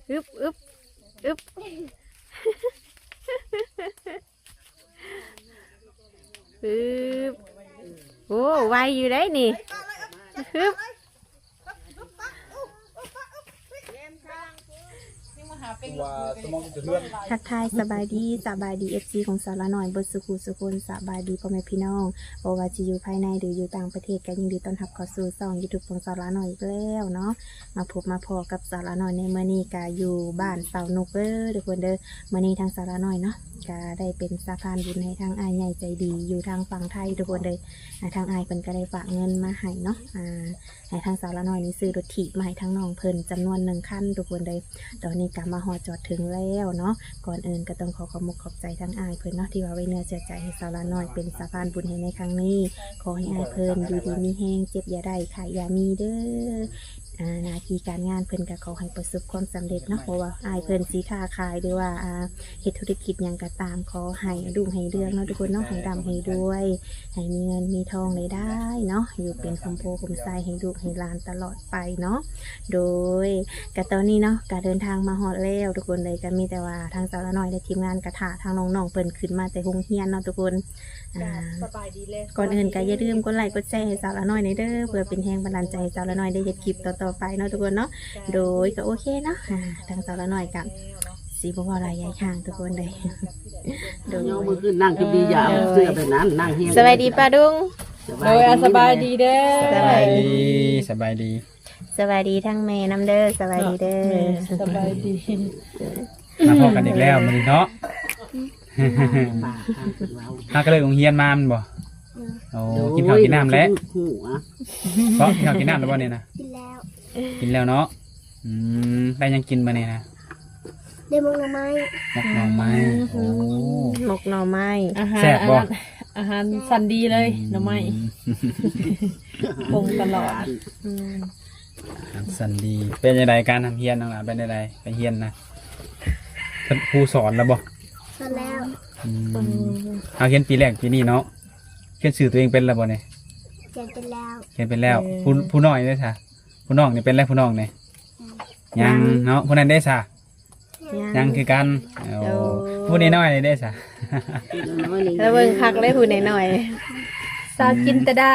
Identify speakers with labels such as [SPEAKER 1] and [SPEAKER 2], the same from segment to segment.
[SPEAKER 1] อึบอึบอึบอึบโอ้ไวอยู่ได้นี่อึบทักทายสบายดีเอฟซีของสาระหน่อยบนสุขุสุคนสบายดีพ่อแม่พี่น้องโอวาจะอยู่ภายในหรืออยู่ต่างประเทศกันยินดีต้อนรับเข้าสู่ช่องยูทูบของสาระหน่อยอีกแล้วเนาะมาพบมาพอกับสาระหน่อยในเมื่อนี้กาอยู่บ้านเสาหนุกทุกคนเด้อเมื่อนี้ทางสาระหน่อยเนาะกาได้เป็นสะพานบุญให้ทางอายใหญ่ใจดีอยู่ทางฝั่งไทยทุกคนเลยทางอายเพิ่นก็ได้ฝากเงินมาให้เนาะให้ทางสาระหน่อยนี้ซื้อรถถีบมาให้ทางน้องเพิ่นจำนวน1 คันทุกคนเลยตอนนี้กามาฮอดจอดถึงแล้วเนาะก่อนอื่นก็ต้องขอขอบใจทั้งอายเพิ่นเนาะที่ว่าไว้เนื้อเชื่อใจให้สาวละน้อยเป็นสะพานบุญให้ในครั้งนี้ขอให้อายเพิ่นอยู่ดีมีแห้งเจ็บอย่าได้ขายอย่ามีเด้อหน้าที่การงานเพิ่นก็ขอให้ประสบความสำเร็จเนาะเพราะว่าอายเพิ่นสีค้าขายหรือว่าเฮ็ดธุรกิจอย่างก็ตามขอให้รุ่งให้เรืองเนาะทุกคนเนาะให้ร่ำให้รวยให้มีเงินมีทองได้เนาะอยู่เป็นคมโพคมไซให้ลูกให้หลานตลอดไปเนาะโดยกะตอนนี้เนาะการเดินทางมาฮอดแล้วทุกคนเลยก็มีแต่ว่าทางสาวละน้อยและทีมงานกระถาทางน้องๆเพิ่นขึ้นมาแต่โรงเรียนเนาะทุกคน
[SPEAKER 2] สบายดีเลย
[SPEAKER 1] ก่อนอื่นก็อย่าลืมกดไลค์กดแชร์ให้สาวละน้อยในเด้อเพื่อเป็นแรงบันดาลใจให้สาวละน้อยได้เฮ็ดคลิปต่อๆไปเนาะทุกคนเนาะโดยก็โอเคเนาะทางสาวละน้อยกับสีบัวลายใหญ่ข้างทุกคนเลย
[SPEAKER 3] โดยมือขึ้นนั่งคือดีอย่าเสื้อไปนั้นนั่งเฮีย
[SPEAKER 1] สวัสดีป้าดุง
[SPEAKER 2] โดยสบายดีเด้อ
[SPEAKER 1] สบายดี
[SPEAKER 4] สบายดี
[SPEAKER 1] สบายดีทั้งแม่น้ำเด้อสบายดีเด้อ
[SPEAKER 2] สบายดี
[SPEAKER 4] มาพบกันอีกแล้วมื้อนี้เนาะถ้าก็เลยโรงเรียนมามันบ่โอ้กินข้าวกินน้ำแล้วเพราะกินข้าวกินน้ำแล้วบ่เนี่ยนะกินแล้วเนาะได้ยังกินมาเนี่ยนะ
[SPEAKER 5] ได้หมกหน่อไม้
[SPEAKER 4] โอ้
[SPEAKER 1] หมกหน่อไม้
[SPEAKER 4] แซ่บบ่
[SPEAKER 2] อาหารสันดีเลยหน่อไม้ปรุงตลอด
[SPEAKER 4] สันดีเป็นยังไงการทำเฮียนน้องหลานเป็นยังไงไปเฮียนนะครูสอนแล้วบ่
[SPEAKER 5] สอนแล้ว
[SPEAKER 4] เอาเขียนปีแรกปีนี้เนาะเขียนสื่อตัวเองเป็นแล้วบ่เนี่ย
[SPEAKER 5] เขียนเป็นแล้ว
[SPEAKER 4] ผู้น้อยได้ค่ะผู้น้องนี่เป็นแล้วผู้น้องเนี่ยยังเนาะผู้นั้นได้ค่ะยังคือกันผู้น้อยๆได้ค่ะ
[SPEAKER 1] แล้วเบิ่งคักได้ผู้น้อย
[SPEAKER 2] สาวจินตดา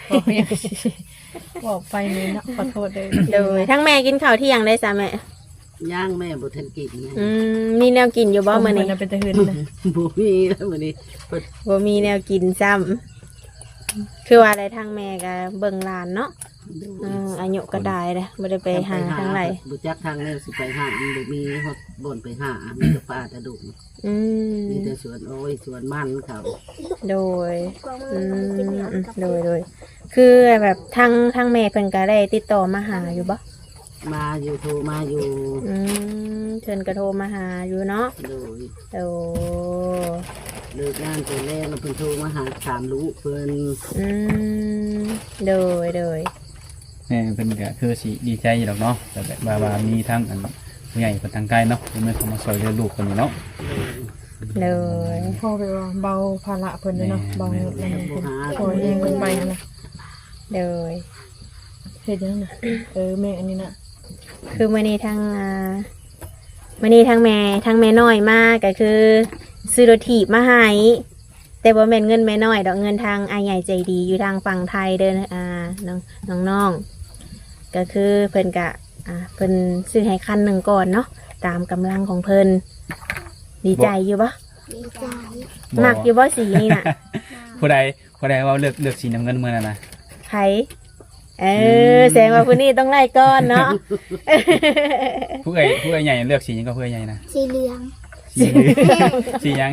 [SPEAKER 2] บอกไปนี่เนาะขอโทษเลย
[SPEAKER 1] โดยทั้งแม่กินข้าวเที่ยงได้ซะแม่
[SPEAKER 3] ย่างแม่บุทันกิน
[SPEAKER 1] มีแนวกินอยู่บ่มื้อนี้
[SPEAKER 2] เป็นตะหืนนะ
[SPEAKER 3] บ่มีแล้วมื้อนี้
[SPEAKER 1] บ่มีแนวกินซ้ำคือว่าอะไรทางแม่ก็เบิ่งหลานเนาะอายุก็ได้เลยบ่ได้ไปหาทางไหน
[SPEAKER 3] บ่จักทางแล้วสิไปหาบ่มีฮอดบ่อนไปหามีแต่ป่าแต่ดุมีแต่สวนโอ้ยสวนมันเขา
[SPEAKER 1] โดยโดยคือแบบทางแม่เพิ่นก็ได้ติดต่อมาหาอยู่บ่
[SPEAKER 3] มาอยู่โทรมาอยู่
[SPEAKER 1] เพิ่นก็โทรมาหาอยู่เนาะโดย
[SPEAKER 3] เลิกงานไปแล้วเพิ่นโทรมาหาถามลูกเพิ่น
[SPEAKER 1] โดย
[SPEAKER 4] แม่เพิ่นก็คือสิดีใจอยู่ดอกเนาะแต่แบบว่ามีทั้งอันผู้ใหญ่คนทางไกลเนาะที่มาเข้ามาช่วยเหลือลูกคนนี้เนาะ
[SPEAKER 1] เลย
[SPEAKER 2] พ่อไปว่าเบาภาระเพิ่นเนาะเบาอะไรเพิ่นโอ้ยเองเพิ่นไปนะ
[SPEAKER 1] เลย
[SPEAKER 2] เฮ็ดยังน่ะแม่อันนี้น่ะ
[SPEAKER 1] คือมื้อนี้ทางแม่น้อยมาก็คือซื้อรถถีบมาให้แต่บ่แม่นเงินแม่น้อยดอกเงินทางอายใหญ่ใจดีอยู่ทางฝั่งไทยเด้อน้องก็คือเพิ่นก็เพิ่นซื้อให้คันหนึ่งก่อนเนาะตามกำลังของเพิ่นดีใจอยู่บ่
[SPEAKER 5] ดีใจ
[SPEAKER 1] มักอยู่บ่สีนี่น่ะ
[SPEAKER 4] ผู้ใดว่าเลือกสีน้ำเงินมื้อนั้นน่ะ
[SPEAKER 1] ไผแสดงว่าผู้นี้ต้องไล่ก้อนเนาะ
[SPEAKER 4] ผู้ใหญ่ใหญ่เลือกสียังก็ผู้ใหญ่นะ
[SPEAKER 5] สีเหลือง
[SPEAKER 4] สียัง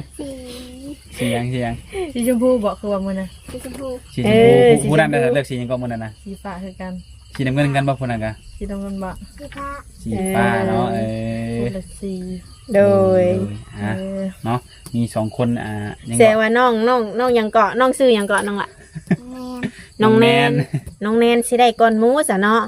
[SPEAKER 2] สีชมพูบอกคือว่ามื้อน่ะ
[SPEAKER 5] สีชมพู
[SPEAKER 4] ผู้นั้นเลือกสียังก็มื้อนั้นนะ
[SPEAKER 2] สีฟ้าคือกัน
[SPEAKER 4] สีน้ำเงินกันบ่ผู้นั้นก็
[SPEAKER 2] สีน้ำเงินบ่
[SPEAKER 5] สี
[SPEAKER 4] ฟ้าเนาะ
[SPEAKER 2] คนละสี
[SPEAKER 1] โดย
[SPEAKER 4] เนาะมี2คน
[SPEAKER 1] แสดงว่าน้องยังเกาะน้องซื้อยังเกาะน้องล่ะน้องแนนสิได้ก้อนหมูซะเนาะ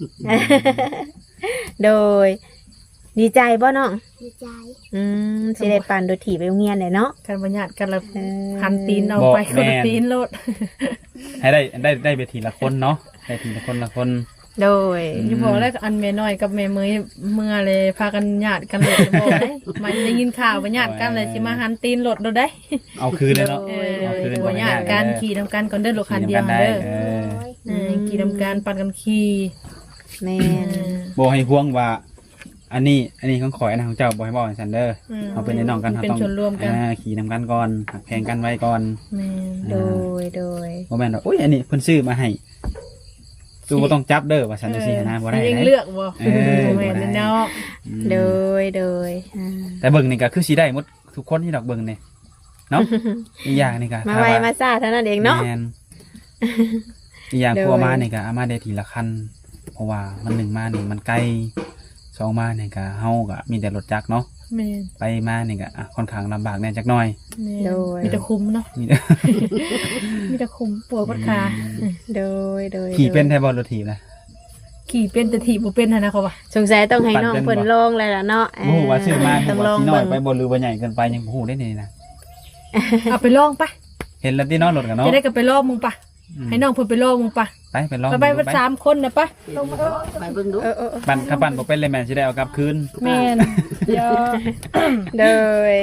[SPEAKER 1] โดยดีใจบ่น้อง
[SPEAKER 5] ดีใจ
[SPEAKER 1] สิได้ปั่นโดยถีบไปโรงเรียนเลยเนาะ
[SPEAKER 2] กันบัญญัติกันละหันตีนเอาไปคนละตีนโลด
[SPEAKER 4] ให้ได้ไปทีละคนเนาะได้ทีละคน
[SPEAKER 1] โดย
[SPEAKER 2] อย่าบอกแล้วอันแม่น้อยกับแม่เมยเมื่อเลยพากันญาติกันเลยบอกได้มันได้ยินข่าวว่าญาติกันเลยสิมาหันตีนรถเราได้
[SPEAKER 4] เอาคืนเลยเนาะ
[SPEAKER 2] เออ
[SPEAKER 4] เอาคืน
[SPEAKER 2] ว่าญาติกันขี่ทำกันก่อนเด้อรถคันเดียวเด้อ
[SPEAKER 4] เออ
[SPEAKER 2] ขี่ทำกันปั่นกันขี่
[SPEAKER 1] แม่น
[SPEAKER 4] บ่ให้ห่วงว่า อันนี้ของข่อยอันนั้นของเจ้าบ่ให้บอกให้ซันเด้อเอาเป็นในน้องกัน
[SPEAKER 2] เป็น
[SPEAKER 4] ต้อง
[SPEAKER 2] ชนร่วมกัน
[SPEAKER 4] ขี่นำกันก่อนหักแพงกันไว้ก่อน
[SPEAKER 2] แม่น
[SPEAKER 1] โดยโดย
[SPEAKER 4] บ่แม่นว่าโอ้ยอันนี้เพิ่นซื้อมาให้ตู้บ่ต้องจับเด้อว่าซันจังซี่นะบ่ได้
[SPEAKER 2] เอง
[SPEAKER 4] นะ
[SPEAKER 2] เลือกบ่
[SPEAKER 4] เออ
[SPEAKER 2] แม่นเนาะ
[SPEAKER 1] โดยโดยอ่า
[SPEAKER 4] แต่เบิ่งนี่ก็คือสิได้หมดทุกคนที่ดอกเบิ่งนี่เนาะอีกอย่างนี่ก็
[SPEAKER 1] มาไวมาซ่าเท่านั้นเองเนาะ
[SPEAKER 4] แม่นอีกอย่าง
[SPEAKER 1] โดย
[SPEAKER 4] ครัวมานี่ก็เอามาได้ทีละคันเพราะว่ามันหนึ่งมานี่มันไกลสองมานี่ก็เฮาก็มีแต่รถจักรเนาะ
[SPEAKER 2] แม่น
[SPEAKER 4] ไปมานี่ก็ค่อนข้างลำบากแน่จักหน่อย
[SPEAKER 2] แม่น
[SPEAKER 1] โดย
[SPEAKER 2] มีแต่คุ้มเนาะ
[SPEAKER 4] มีแต่
[SPEAKER 2] มีแต่คุ้มปวดปวดขา
[SPEAKER 1] โดยโดย
[SPEAKER 4] ขี่เป็นแท้บ่รถถีบนะ
[SPEAKER 2] ขี่เป็นแต่ถีบบ่เป็นหั่นนะเขาว่า
[SPEAKER 1] สงสัยต้องให้น้อง
[SPEAKER 4] ปั่นเป็นบ่
[SPEAKER 1] เพิ่นลองเลยล่ะเนาะ
[SPEAKER 4] บ่ฮู้ว่าซื้อมา
[SPEAKER 1] ต้อง
[SPEAKER 4] บ่
[SPEAKER 1] ลอง
[SPEAKER 4] สิน้อย
[SPEAKER 1] เบิ่ง
[SPEAKER 4] ไปบ่หรือว่าใหญ่เกินไปยังบ่ฮู้ได้นี่นะ
[SPEAKER 2] เอาไปลองปะ
[SPEAKER 4] เห็นแล้วที่นอนรถกันเนาะ
[SPEAKER 2] จะได้กับไปลองมึงปะให้น้องเพิ่นไปลองมึงปะ
[SPEAKER 4] ไปลอง
[SPEAKER 2] ไปวัน3คนนะปะ
[SPEAKER 3] ไปเบิ่งดู
[SPEAKER 4] ปั่นขับปั่นบ่เป็นเลยแม่นสิได้เอากลับคืน
[SPEAKER 2] แม่นเดี๋ยว
[SPEAKER 1] โดย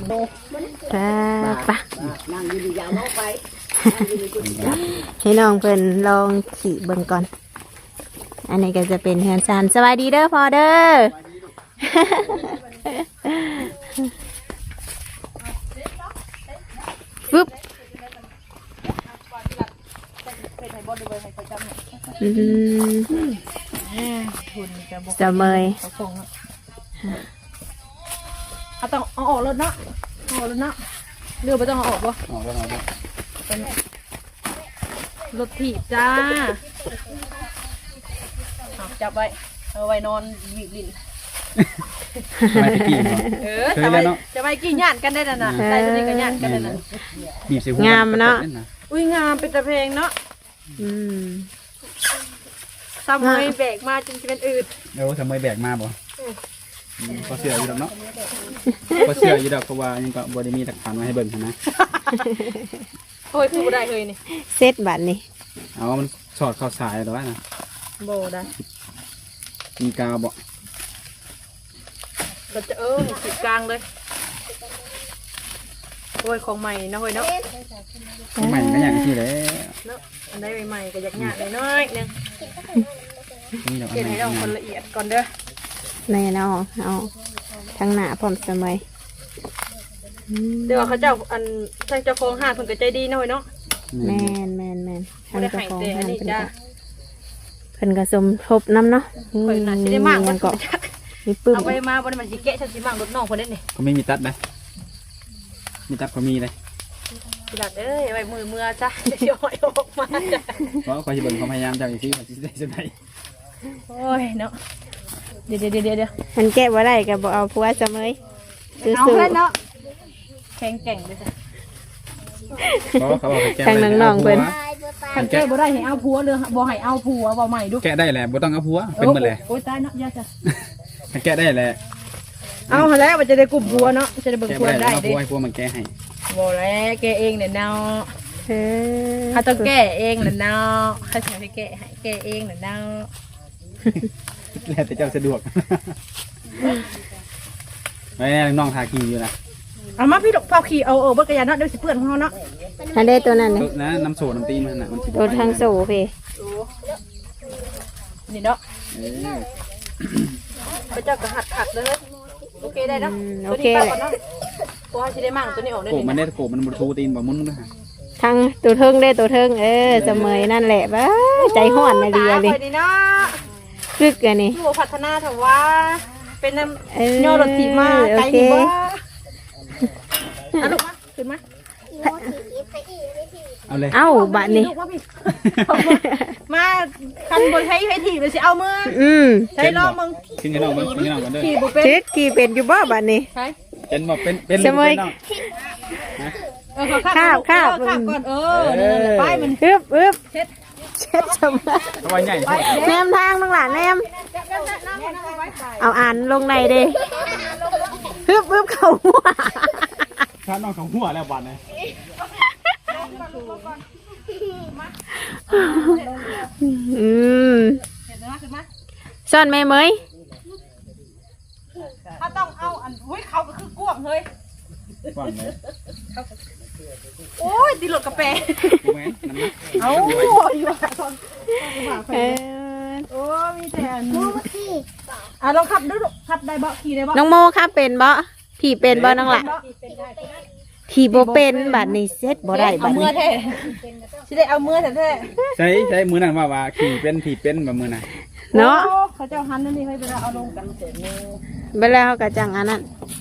[SPEAKER 1] ปะ
[SPEAKER 3] นั่งอยู่ดียาวไป
[SPEAKER 1] ให้น้องเพิ่นลองขี่เบิ่งก่อน อันนี้ก็จะเป็นเฮือนซานสวัสดีเด้อพอเด้อ ปึ๊บอืม
[SPEAKER 2] คุณจะบอก
[SPEAKER 1] จะเมย
[SPEAKER 2] เขาส่งเนาะเอาต้องเอาออกรถเนาะเอาออกรถเนาะเรือไปต้องเอาออกบ่
[SPEAKER 4] ออกแล้วเอาแล้ว
[SPEAKER 2] รถถีบจ้าเอาจับไว้เอาไว้นอนหวีดลิ้น
[SPEAKER 4] ไม่ตะกี้เนาะ เคยแล้วเนาะ
[SPEAKER 2] จะไปกี่ญาติกันได้น่ะนะได้ตัวนี้ก็ญาติกันได้น่ะ
[SPEAKER 4] บีบใส่หัว
[SPEAKER 1] งามเนาะ
[SPEAKER 2] อุ้ยงามเป็นตะเพลงเนาะ
[SPEAKER 1] อืม
[SPEAKER 2] ซ้ำเลยแบกมาจนจะเป็นอืด
[SPEAKER 4] เดี๋ยวทำไมแบกมาบ่ก็เสืออยู่ดอกเนาะก็เสืออยู่ดอกเพราะว่ายังก็บ่ได้มีหลักฐานมาให้เบิ่งหั้นนะ
[SPEAKER 2] โอ้ยพูดได้เลยนี่
[SPEAKER 1] เซตบัตรนี่
[SPEAKER 4] เอามันสอดเข้าสายหรอวะนะ
[SPEAKER 2] โบได้
[SPEAKER 4] มีกาวบ่
[SPEAKER 2] เราจะขีดกลางเลยโอ้ยของใหม่นะเฮ้ยเนาะ
[SPEAKER 4] ใหม่ก็อย่างที่แหละ
[SPEAKER 2] เนาะอันใดใหม่ๆก็อยากหยาดเลยน้อยนึง
[SPEAKER 4] นี่ดอกอั
[SPEAKER 2] เก็
[SPEAKER 4] น
[SPEAKER 2] บ
[SPEAKER 4] ไหน
[SPEAKER 2] ให้เราคนละเอียดก่อนเด้อ
[SPEAKER 1] แน่นอนเอาทั้งหน้าพร้อมเสมย
[SPEAKER 2] เดี๋ยวเขาเจ้าอันทางเจ้าของห้างเพิ่นก็ใจดีนะเฮ้ยเนาะ
[SPEAKER 1] แม่นแม่นแม่นทาง
[SPEAKER 2] บ่ได้
[SPEAKER 1] เจ้า
[SPEAKER 2] ให้
[SPEAKER 1] ของ
[SPEAKER 2] แต่อั
[SPEAKER 1] ห้าน ง
[SPEAKER 2] นี้
[SPEAKER 1] เพิ่น
[SPEAKER 2] จ้า
[SPEAKER 1] ก็เพิ่นก็สมทบน้ำเนาะ
[SPEAKER 2] ข่อยน่าสิได้มาก
[SPEAKER 1] ยั
[SPEAKER 2] ว่าง
[SPEAKER 1] ก็มีปึ้ม
[SPEAKER 2] เอาไว้มาบ่ได้มันสิแกะฉันสิมากรถน้องเพิ่นเด้นี่
[SPEAKER 4] ก็ไม่มีตัดนะมีตัดก็มีเลย
[SPEAKER 2] สิลัดเอ้ยไว้มือเมื่อจ้ะเดี๋ยวเอาออกมาจ้ะ
[SPEAKER 4] เพราะคอยสิเบิ่งความพยายามเจ้าอีกทีว่าสิได้สุดใด
[SPEAKER 2] โอ้ยเนาะเดี๋ยว
[SPEAKER 1] มันแก้บ่ได้ก็บ่เอาผัวเสมยซื้อ
[SPEAKER 2] เอา
[SPEAKER 1] ซื้อ
[SPEAKER 2] เลยเนาะแข็งแกร่งเลยจ้ะ
[SPEAKER 4] เพราะว่าเขาบอกให้แก้
[SPEAKER 1] ทางน้องๆเพิ่น
[SPEAKER 2] คันแก้บ่ได้ให้เอาผัวเลยบ่ให้เอาผัวบ่ใหม่ดู
[SPEAKER 4] แก้ได้แหละบ่ต้องเอาผัวเป็นหมดเลย
[SPEAKER 2] โอ้ยตายเนาะยาจ้ะ
[SPEAKER 4] แก้ได้แหละ
[SPEAKER 2] เอาหั่นแล้วมันจะได้กลุ่มผัวเนาะจะได้เบิ่ง
[SPEAKER 4] แก้
[SPEAKER 2] ผัว
[SPEAKER 4] บ่ได้
[SPEAKER 2] ได้
[SPEAKER 4] เอา
[SPEAKER 2] เด้
[SPEAKER 4] ผัวให้ผัวมันแก้ให้
[SPEAKER 2] บ่แล้วแกเองเนี่ยเนาะ
[SPEAKER 1] เออ
[SPEAKER 2] เขาต้องแก้เองน่ะเนาะเขาสิให้แก้ให้แก้เองน่ะเนาะ
[SPEAKER 4] แล้วแต่เจ้าสะดวกแม่น้องทากีอยู่นะ
[SPEAKER 2] เอามาพี่ดอกพอขี่เอาเบิดกระยาเนาะเดี๋ยวสิเปื้อนของเฮาเนาะ
[SPEAKER 1] อันได้ตัวนั้นนี่
[SPEAKER 4] นะน้ำโซน้ำตีนมันน่ะมันสิ
[SPEAKER 1] ตัวทางโซ่เพ
[SPEAKER 2] นี่เนาะ
[SPEAKER 4] เออ
[SPEAKER 2] พระเจ้าก็หัดขัดเลยโอเคได้เนาะ
[SPEAKER 1] โอเค
[SPEAKER 2] ตัว
[SPEAKER 1] แห
[SPEAKER 2] นี้
[SPEAKER 1] ละ
[SPEAKER 2] ไปก่อนเนาะตัวให้สิได้มั่งตัวนี้ออกได้
[SPEAKER 4] โกบ
[SPEAKER 2] นี่
[SPEAKER 4] มันได้โกบมันบ่ทูตีนบ่มุนนะฮะ
[SPEAKER 1] ทางตัวเทิงได้ตัวเทิงเสมยนั่นแหละบ้าใจห้อนนะเดียเลย
[SPEAKER 2] ตาข่อนี่เนาะ
[SPEAKER 1] รึกอันนี้
[SPEAKER 2] อยู่พัฒนาเถอะว่าเป็นน้
[SPEAKER 1] เออ
[SPEAKER 2] ำย่อรถถีบมาไกล
[SPEAKER 1] โอเค
[SPEAKER 2] นี่บ่เอาลูกมาขึ้นมา
[SPEAKER 4] เอาเลย
[SPEAKER 1] เอ้าบัดนี้
[SPEAKER 2] ลูกมาพี่มาคันบนใช้ให้ถีบเลยสิเอามือ
[SPEAKER 1] อืม
[SPEAKER 2] ใช้ลองมึง
[SPEAKER 4] ขึ้นให้น้องเบิ่งขึ้นให้น้องกันเด้อ
[SPEAKER 2] ถีบบ่เป็น
[SPEAKER 1] จิกขี่เป็นอยู่บ่บัดนี้
[SPEAKER 2] ใช่
[SPEAKER 4] เป็นบ่เป็น
[SPEAKER 1] เสมอ
[SPEAKER 4] น้อง
[SPEAKER 2] คาบ
[SPEAKER 1] คาบ
[SPEAKER 2] ก่อนนั่นแหละป้ายมัน
[SPEAKER 1] อึบอึบ
[SPEAKER 2] เช็ด
[SPEAKER 1] เช็ดเสมอ
[SPEAKER 4] เอาไว้ใหญ่โพด
[SPEAKER 1] แนมทางน้องหลานแนมเอาอ่านลงในเด้อึบอึบเข้าหัว
[SPEAKER 4] ถ้าน้องของหัวแล้วบัดนี้
[SPEAKER 1] อืมซ่อนแม่เมย
[SPEAKER 2] ถ้าต้องเอาอันอุ้ยเขาก็คือกวงเฮ้ย
[SPEAKER 4] กว้างเลย
[SPEAKER 2] โอ้ยตีหลดกระเป
[SPEAKER 4] กูแม่นน้ำหนัก
[SPEAKER 2] เอาอยู่ว่าตอน
[SPEAKER 1] เออ
[SPEAKER 2] โอ้มีแต่อัน
[SPEAKER 5] มูที่
[SPEAKER 2] ลองขับดูลูกขับได้บ่ขี่ได้บ่
[SPEAKER 1] น้องโมครับเป็นบ่ผีเป็นบ่น้องล่ะผีบ่เป็นบัดนี้เซ็ตบ่ได้
[SPEAKER 2] เอา
[SPEAKER 1] บัด
[SPEAKER 2] มื
[SPEAKER 1] นี้
[SPEAKER 2] อแท้สิได้เอามือแท้
[SPEAKER 4] ใช้มือนั่นว่าขี่เป็นผีเป็นแบบมือน่ะ
[SPEAKER 2] ๆ
[SPEAKER 1] เนาะ
[SPEAKER 2] โอ้เขาเจ้าหันนั่นนี่ให้เวลาเอาลงกันเสร็จนี่
[SPEAKER 1] เวลาเขาก็จังอันนั้น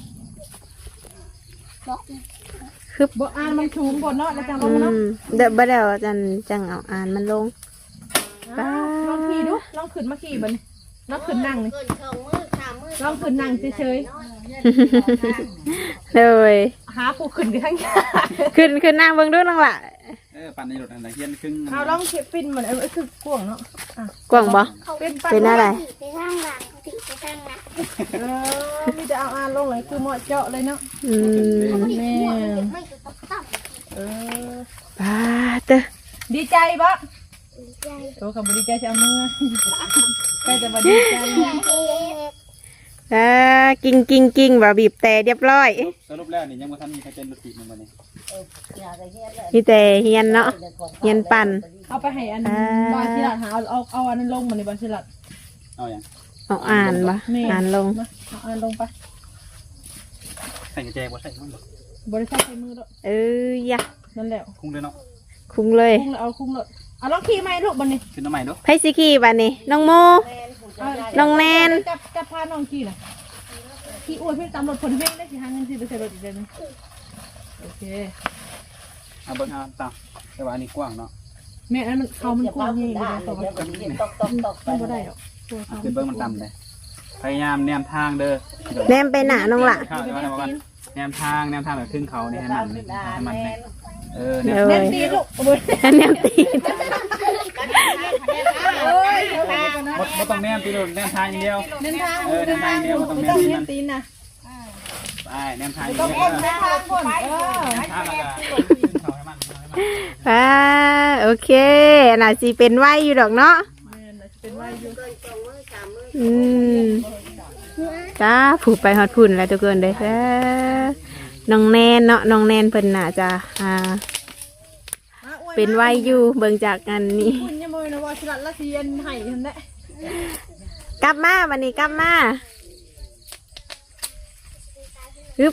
[SPEAKER 2] บ่อ่านมันชูงบนเนาะแล้วจังล
[SPEAKER 1] อื
[SPEAKER 2] งมาเนาะ
[SPEAKER 1] มเดี๋ยวบ่ได้ว่าจังเอาอ่านมันลง
[SPEAKER 2] ลองขี่ดูลองขึ้นมาขี่บัดนี้ลองขึ้นนั่งนี่ลองขึ้นนั่งเฉย
[SPEAKER 1] เลย
[SPEAKER 2] ๆหาผู้ขึ้นกันทั้งยา
[SPEAKER 1] ขึ้นนั่งเบิ่งดูน้องล่ะ
[SPEAKER 4] ปั่นในรถอะไรเฮียนครึ่ง
[SPEAKER 2] เอาลองเก็บปินเหมือนคือกวงเนาะ
[SPEAKER 1] กว้างบ่
[SPEAKER 2] เป็น
[SPEAKER 1] เป็นอะไร
[SPEAKER 5] ไปทางหลังติไปทางหลัง
[SPEAKER 2] มีแต่เอาอ่านลงเลยคือเหมาะเจาะเลยเนาะ
[SPEAKER 1] อืม
[SPEAKER 2] แม่
[SPEAKER 5] ไม่ก็ต้องตั้ง
[SPEAKER 2] เออ
[SPEAKER 1] ปาเด้อ
[SPEAKER 2] ดีใจบ่
[SPEAKER 5] ใจ
[SPEAKER 2] โอ้คำบ่ดีใจจะเอามือใกล้จะมาดีใจ
[SPEAKER 1] กิ้งว่าบีบแต่เรียบร้อย
[SPEAKER 4] สรุปแล้วนี่ยังบ่ทันมีใครเป็นรถติดมันบ่นี่
[SPEAKER 1] มีแต่เฮียนเนาะเฮียนปั่น
[SPEAKER 2] เอาไปให้อันบาสิลัดหาเอาอันนั้นลงมาในบาสิลัด
[SPEAKER 4] เอาอย่าง
[SPEAKER 1] เอาอ่านบ่อ่านลง
[SPEAKER 2] มาเอาอันลงไป
[SPEAKER 4] ใส่กระแจบ่ใส่มันบ่
[SPEAKER 2] บริษัทใช้มือแล้ว
[SPEAKER 1] เอ้ยยะ
[SPEAKER 2] นั่นแหละ
[SPEAKER 4] คุ้งเลยเนาะ
[SPEAKER 1] คุ้งเลย
[SPEAKER 2] คุ้งแล้วเอาคุ้งแล้วเอาลองขี่ไหมลูกบันนี้
[SPEAKER 4] ขึ้นน้ำใหม่เด้อ
[SPEAKER 1] ไผสิขี่บัดนี้น้องโม น้องแนน
[SPEAKER 2] จะพาน้องขี่น่ะขี่อวดเพื่อนตามรถผลเพ่งได้สิหาเงินสิไปใส่รถอีกเดือนนึงโอเค
[SPEAKER 4] เอาเบิ่งเอาตามแต่ว่าอันนี้กว้างเนาะ
[SPEAKER 2] แม่อันมันเขามันกว้างใหญ่เลยต่อไปมันบ่ได้หรอกตัวเขา
[SPEAKER 4] ขึ้นเบิ่งมันต่ำเลยพยายามแนมทางเด้อ
[SPEAKER 1] แนมไปหน้าน้องล่ะ
[SPEAKER 4] ข้าวจะว่าแนมทางแบบครึ่งเขานี่ให้มันเนี่ยแน
[SPEAKER 1] เล
[SPEAKER 4] ม
[SPEAKER 1] ย
[SPEAKER 2] ตีลูก
[SPEAKER 1] แนมตีน
[SPEAKER 2] โอ้ย
[SPEAKER 4] บ่ต้องแนมตีโดนแนมทางอย่างเดียว
[SPEAKER 2] เน้นทาง
[SPEAKER 4] แนมทางอย่างเดียวบ่ต้องแน
[SPEAKER 2] ต้อ
[SPEAKER 4] ม
[SPEAKER 2] ง
[SPEAKER 4] ตี
[SPEAKER 2] เน้
[SPEAKER 4] มัน น
[SPEAKER 2] ตีนนะ
[SPEAKER 4] ไปแนมทางอย่าง
[SPEAKER 2] ต้อง
[SPEAKER 4] เดียว
[SPEAKER 2] เน้นทางคน
[SPEAKER 4] ทางแล้วก็ขึ้นเขาให้มัน
[SPEAKER 1] อ่าโอเคน่าสิเป็นไว้อยู่ดอกเนาะ
[SPEAKER 2] เป็นว่าอยู่
[SPEAKER 1] อืมจ้าผูกไปฮอดพุ่นแล้วทุกคนเด้อน้องแนนเนาะน้องแนนเพิ่นน่าจะเป็นไว้อยู่เบิ่งจากอันนี้
[SPEAKER 2] คุณยังบ่นะว่าสลัดละเทียนให้ทันได้
[SPEAKER 1] กลับมาวันนี้กลับมาอึบ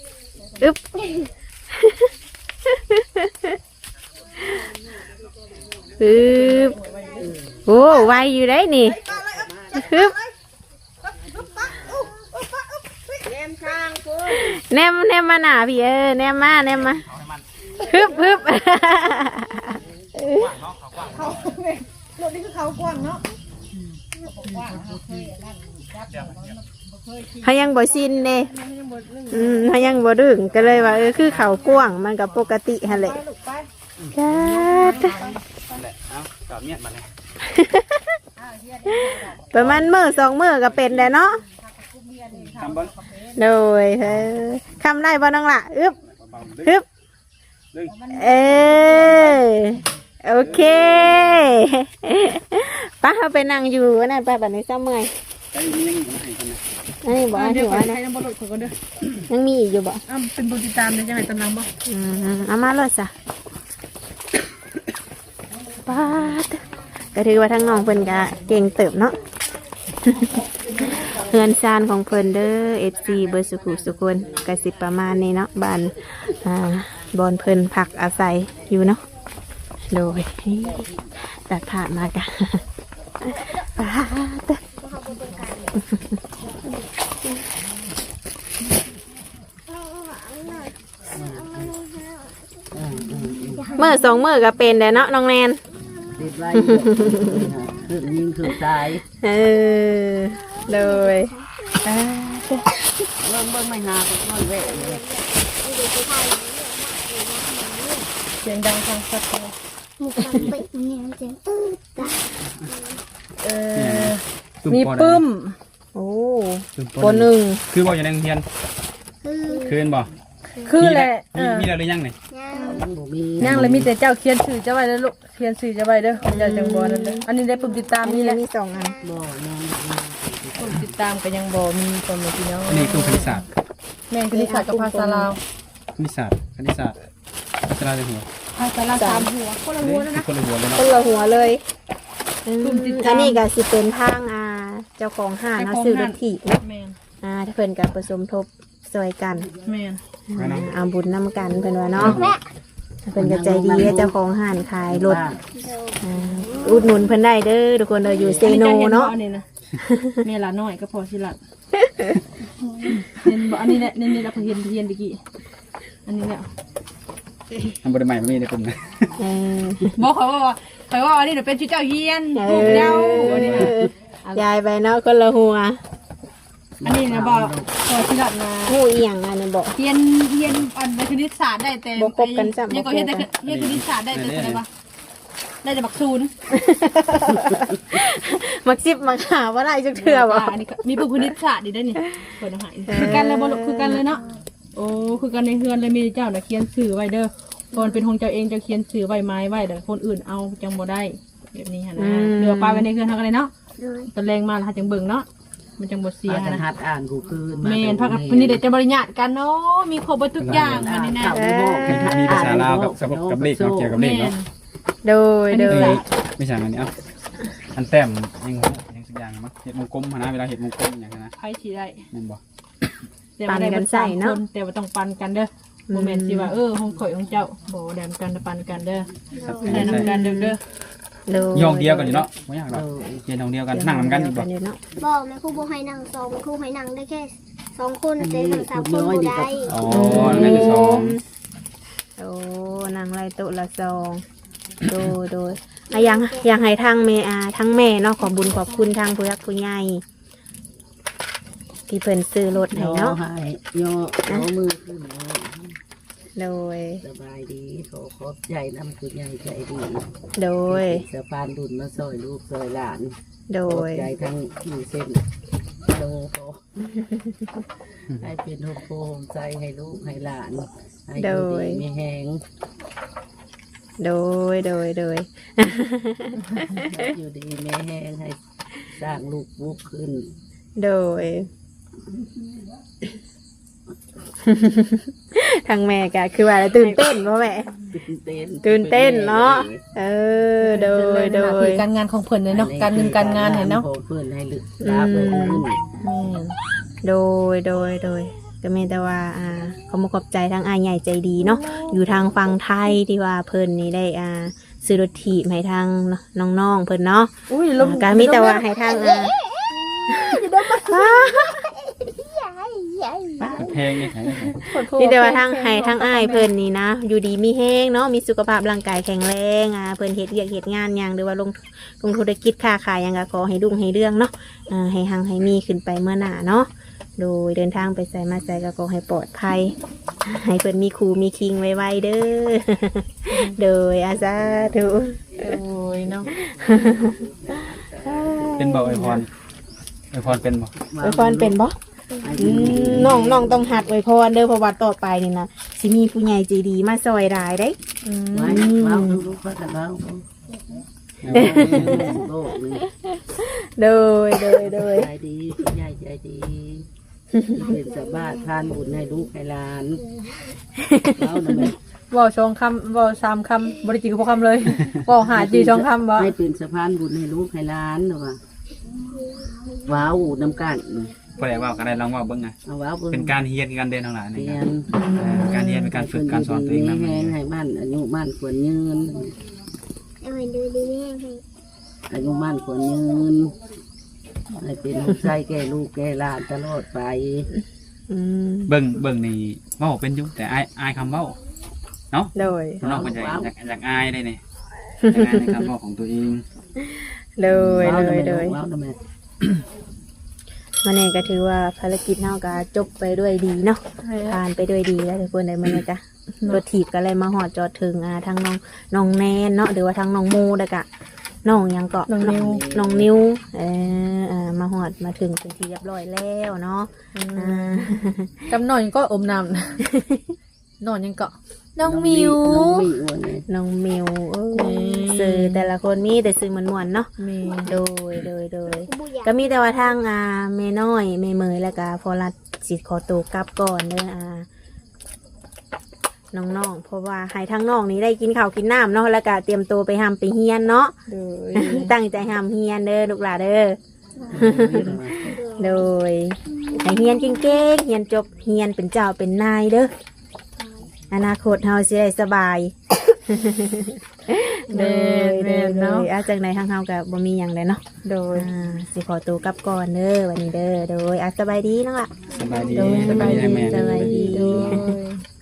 [SPEAKER 1] อึบโอ้ไวอยู่ได้นี่ฮึบแนมมาหนาพี่แนมมาฮึบ
[SPEAKER 2] เขารถนี่คือเขากว้างเนาะ
[SPEAKER 1] เขายังบ่ชินเด้เขายังบ่ดึงก็เลยว่าคือเขากว้างมันกับปกติฮะแหละ
[SPEAKER 2] ลูกไป
[SPEAKER 1] จ้า
[SPEAKER 4] นั่นแหละเอากลับเมียดมาเลย
[SPEAKER 1] ประมาณมื้อ2 มื้อก็เป็นแล้วเนาะ
[SPEAKER 4] ทำเบิ้ง
[SPEAKER 1] โดยคำได้บ่น้องล่ะอึบ
[SPEAKER 4] ดึ
[SPEAKER 1] ฮึ
[SPEAKER 4] ง
[SPEAKER 1] บ
[SPEAKER 4] ดึง
[SPEAKER 1] โอเคป้าเขาไปนั่งอยู่นั่นไปแบบนี้เศร้าเมื่อย
[SPEAKER 4] ใจมียังอยู่ไหนกันนะ
[SPEAKER 1] อันนี้บอกว่า
[SPEAKER 2] เดี๋
[SPEAKER 1] ถื
[SPEAKER 2] ยว
[SPEAKER 1] อ
[SPEAKER 2] ก่อ
[SPEAKER 1] ว่าน นะ
[SPEAKER 2] ใช้น้ำบดเขาก็เด้อ
[SPEAKER 1] ยังมีอีกอยู่บ่
[SPEAKER 2] เป็นบุญติดตามเลยจังไงตำลังบ่
[SPEAKER 1] เอามาเลยจ้ะป้าดก็ถือว่าทั้งน้องเพิ่นก็เก่งเติบเนาะ เฮือนซานของเพิ่นเด้อ FC เบอร์สุขุสุคนกสิประมาณนี้เนาะบ้านบอนเพิ่นพักอาศัยอยู่เนาะโดยตัดผ่านมากันป้าดมื้อ2 มื้อก็เป็นแล้วเนาะน้องแนน
[SPEAKER 3] ติดไว้ขึ้นยิงขึ้นตาย
[SPEAKER 1] เลย
[SPEAKER 3] เบิ่งไม่หาก็ค่อยแวะเลย
[SPEAKER 2] เสียงดังฟังชัดเลย
[SPEAKER 5] มีความปิดเนี่ยเสียงตื้อตา
[SPEAKER 2] มีปึ้ม
[SPEAKER 1] โอ้
[SPEAKER 4] ป
[SPEAKER 1] ปหนึ่ง
[SPEAKER 4] คือบอกอย่างนั้นเพียน
[SPEAKER 5] คือ
[SPEAKER 4] คืนบ่
[SPEAKER 5] ค
[SPEAKER 2] คือแหละ
[SPEAKER 4] มีแล้วหรือยังนี่
[SPEAKER 5] ย่าง
[SPEAKER 3] ยังบ่มี
[SPEAKER 2] ย่างเลยมีแต่เจ้าเขียนชื่อเจ้าไว้แล้วลูกเขียนชื่อเจ้าไว้เด้อเจ้าจังบ่นั่นเด้ออันนี้ได้ปุ่มติดตาม
[SPEAKER 1] อัน
[SPEAKER 2] นี่
[SPEAKER 1] นี้
[SPEAKER 2] แหละ
[SPEAKER 1] มีสองอัน
[SPEAKER 3] บ่ยัง
[SPEAKER 2] ปุ่มติดตามก็ยังบ่มีพ่อแม่พี่น้อง
[SPEAKER 4] อันนี้คือคณิตศาสตร์
[SPEAKER 2] แม่นคณิตศาสตร์กับภาษาลาว
[SPEAKER 4] คณิตศาสตร์ภาษาในหัว
[SPEAKER 2] ภาษาลาวสามหัวคนละหัวแล้วนะ
[SPEAKER 4] คนละหัวเลย
[SPEAKER 1] ค
[SPEAKER 4] เนาะ
[SPEAKER 1] นละหัวเลยอืม
[SPEAKER 2] กลุ่มติดตาม
[SPEAKER 1] อันนี้ก็สิเป็นทางเจ้าของห้างเนาะซื้อรถถีบเนาะ
[SPEAKER 2] แม่น
[SPEAKER 1] ถ้าเพิ่นก็ผสมทบซอยกัน
[SPEAKER 2] แม่น
[SPEAKER 1] เอาบุญนำกันเพิ่นว่าเนาะเพิ่นก็ใจดีเจ้าของห้างขายรถ
[SPEAKER 5] โดย
[SPEAKER 1] อุดหนุนเพิ่นได้เด้อทุกคนเด้ออยู่เซโนเนาะ
[SPEAKER 2] อันี้นะแม่ละน้อยก็พอสิละเห็นบ่อันนี้แหละนี่ละเพิ่นเฮียนตะกี้อันนี้แหละ
[SPEAKER 4] ทำบริใหม่ไม่มีในกลุ่มนะ
[SPEAKER 1] เออ
[SPEAKER 2] บอกเขาว่าอันนี้เดี๋ยวเป็นชื่อเจ้าเฮียนลูกเจ้าอันนี้นะ
[SPEAKER 1] ยายไปเนาะคนละหัว
[SPEAKER 2] อันนี้นะบอกพอสิละนะ
[SPEAKER 1] หูเอียงอันนี้บอก
[SPEAKER 2] เฮียนอันในคณิตศาสตร์ได้แต่
[SPEAKER 1] บ่คบกันจ้ะ
[SPEAKER 2] ยังก็เฮียนแต่เฮียนคณิตศาสตร์ได้แต่อะไรวะได้แต่บักศูนย์
[SPEAKER 1] มักซิบมักหาว่าได้จักเทื่อบ่
[SPEAKER 2] อันนี้มีปุ่มคณิตศาสตร์ดีได้นี่เปิดเอาให้คือกันเลยบ่ลูกคือกันเลยเนาะโอ้คือกันในเฮือนเลยมีเจ้าน่ะเขียนชื่อไว้เด้อก่อนเป็นของเจ้าเองเจ้าเขียนชื่อไว้ไม้ไว้แต่คนอื่นเอาจังบ่ได้แบบนี้ฮะนะเรือปลาไว้ในเฮือนเฮากันเลยเนาะ
[SPEAKER 5] โดย
[SPEAKER 2] ตอนแรงมาแล้วหาจังเบิ่งเนาะมันจังบ่เสีย
[SPEAKER 3] พากัน
[SPEAKER 2] นะ
[SPEAKER 3] หัดอ่านกูคืน
[SPEAKER 2] แม่นพากันวันนี้เด็กจะบริญาตกันเนาะมีครบหมดทุกอย่างอันนี้นะ
[SPEAKER 4] มีภาษาลาวกับเลขเนาะเกี่ยวกับเล
[SPEAKER 2] แม่
[SPEAKER 4] ขเนาะ
[SPEAKER 2] น
[SPEAKER 1] โดยโดย
[SPEAKER 4] ไม่ใช่อันนี้เอ้าอันแต้มยังสักอย่างมั้งเห็ดมงกลมนะเวลาเห็ดมงกลมอย่างนั้นนะ
[SPEAKER 2] ใครสิได้
[SPEAKER 4] แม่นบ่
[SPEAKER 2] แต่ว่าได้เบิดสามคนแต่ว่าต้องปันกันเด้อบ่แม่นสิว่าห้องข่อยของเจ้าบ่แดมกันปันกันเด้อ
[SPEAKER 4] ครับ
[SPEAKER 2] แนะนำกันเด้อ
[SPEAKER 1] โดย
[SPEAKER 4] ย่องเดียวกันอยู่เนาะไม่ยากหรอกเรียนห้องเดียวกันนั่งนำกันอยู่บ่
[SPEAKER 1] เนาะ
[SPEAKER 5] บอกแม่ครูบอกให้นั่งสองครูให้นั่งได้แค่2 คนแต่นั่ง3 คนบ่ได้
[SPEAKER 4] อ๋อนั่นคือสอง
[SPEAKER 1] โอ้นางไรโตุละซองโดยยังให้ทางแม่ทั้งแม่เนาะขอบุญขอบคุณทางผู้ยักผู้ใหญ่ที่เพิ่นซื้อรถให้
[SPEAKER 3] ย่อ
[SPEAKER 1] เนาะ
[SPEAKER 3] ให้ย่อมือขึ้น
[SPEAKER 1] โดย
[SPEAKER 3] สบายดีขอบใจน้ำคุณยายใจดี
[SPEAKER 1] โดย
[SPEAKER 3] สะพานบุญมาซอยลูกซอยหลาน
[SPEAKER 1] โด
[SPEAKER 3] ขอบ
[SPEAKER 1] ย
[SPEAKER 3] ใจทั้งอยู่เส้นโลโกให้เป็นโฮมโปมใจให้ลูกให้หลานให้อยู่ดีมีแหง
[SPEAKER 1] โดย
[SPEAKER 3] อยู่ดีมีแหงให้สร้างลูกบุกขึ้น
[SPEAKER 1] โดย ทางแม่ก็คือว่าตื่นเต้นพ่อแม่ ตื่นเต้นเนาะโดย
[SPEAKER 2] คือการงานของเพิ่นเลยเนาะการเงินการงานเห็นเนาะ
[SPEAKER 3] เพื่อนให้ลึกลาไปขึ้น
[SPEAKER 1] โดยก็มีแต่ว่าเขามาขอบใจทางอายใหญ่ใจดีเนาะอยู่ทางฝั่งไทยที่ว่าเพิ่นนี่ได้ซื้อรถถีบให้ทางน้องๆเพิ่นเนาะ
[SPEAKER 2] อุ้ยลม
[SPEAKER 1] ก็มีแต่ว่าให้ทาง
[SPEAKER 4] เพลงนี่ใช่
[SPEAKER 1] นี่แต่ว่าทางให้ทางอ้ายเพิ่นนี่นะอยู่ดีมีแห้งเนาะมีสุขภาพร่างกายแข็งแรงเพิ่นเฮ็ดเวียกเฮ็ดงานหยังหรือว่าลงธุรกิจค้าขายหยังก็ขอให้รุ่งให้เรื่องเนาะให้หังให้มีขึ้นไปเมื่อหน้าเนาะโดยเดินทางไปไสมาไสก็ขอให้ปลอดภัยให้เพิ่นมีครูมีคิงไวๆเด้อ โดยอาสาธุ
[SPEAKER 2] โอ้ยเนาะ
[SPEAKER 4] เป็นบ่ไอพรเป็นบ่
[SPEAKER 1] อวยพรเป็นบ่น้องต้องหัดอวยพรเด้อเพราะว่าต่อไปนี่นะสิมีผู้ใหญ่ใจดีมาซอยรายได้
[SPEAKER 3] ไว้เล่าลูกๆก็จะเล่าโลกนี่
[SPEAKER 1] โดย
[SPEAKER 3] ใจดีคุณยายใจดีเป็นสบายทานบุญให้ลูกให้หลานเล่าหน่อย
[SPEAKER 2] เว้า2คำเว้า3คำบ่ได้จริงกับพวกคำเลยเว้าหาจี2คำบ่
[SPEAKER 3] ให้เป็นสะพานบุญให้ลูกให้หลานหรือว่าว้าวน้ำกัน
[SPEAKER 4] พอได้ว่ากันได้ลองว่าเบิ่งไง
[SPEAKER 3] เอาว้าว
[SPEAKER 4] เป็นการเฮียนการเดินทั้งหลายนี่
[SPEAKER 3] เรีย
[SPEAKER 4] ครับ
[SPEAKER 3] น
[SPEAKER 4] การเรียนเป็นการฝึกการสอนตัวเองนะ
[SPEAKER 3] แห้งให้บ้านอายุบ้านควรยืน
[SPEAKER 5] เอาให้ดูดีแม่ให้
[SPEAKER 3] อายุบ้านควรยืนให้เป็นลูกชายแก่ลูกแก่หลานตลอดไป
[SPEAKER 4] เบิ่งนี่เว้าเป็นอยู่แต่อายคำเว้าเนาะ
[SPEAKER 1] โดย
[SPEAKER 4] น้องมันอยากอายได้นี่อยากอายในคำเว้าของตัวเอง
[SPEAKER 1] โดย
[SPEAKER 3] ว้าวทำไม
[SPEAKER 1] มันเองก็ถือว่าภารกิจเฮาก็จบไปด้วยดีเนาะผ่านไปด้วยดีแล้วทุกคนได้มื้อนี้จ้ะรถถีบก็เลยมาฮอดจอดถึงทางน้องแนนเนาะหรือว่าทางน้องโมแล้วก็น้องหยังเกาะน้องนิวมาฮอดมาถึงเป็นที่เรียบร้อยแล้วเนาะ
[SPEAKER 2] กำหน่อยก็อมน้ำนอนยังเกาะน้องมิว
[SPEAKER 3] น้องมิวนี่
[SPEAKER 1] น้องมิวเอ้ย
[SPEAKER 2] นี่
[SPEAKER 1] สื่อแต่ละคนมีแต่สื่อม่วนๆเนาะ
[SPEAKER 2] มี
[SPEAKER 1] โดย
[SPEAKER 5] บุญยา
[SPEAKER 1] ก็มีแต่ว่าทางแม่น้อยแม่เมยแล้วก็พอรัดสิขอตัวกลับก่อนเด้อน้องๆเพราะว่าให้ทั้งน้องนี้ได้กินข้าวกินน้ำเนาะแล้วก็เตรียมตัวไปหำไปเฮียนเนาะ
[SPEAKER 2] โดย
[SPEAKER 1] ตั้งใจหำเฮียนเด้อลูกหลานเด้อโดยให้เฮียนเก่งๆเฮียนจบเฮียนเป็นเจ้าเป็นนายเด้ออนาคตเฮาสิได้สบาย
[SPEAKER 2] แม่แม่เนาะ
[SPEAKER 1] อาจังใดทางเฮาก็บ่มีหยังเลยเนาะ
[SPEAKER 2] โดย
[SPEAKER 1] สิขอตัวกลับก่อนเด้อวันนี้เด้อโดยสบายดีเนาะล่ะ
[SPEAKER 4] สบายดี
[SPEAKER 1] โดย
[SPEAKER 4] สบายดีแม่
[SPEAKER 1] สบายดี
[SPEAKER 2] โดย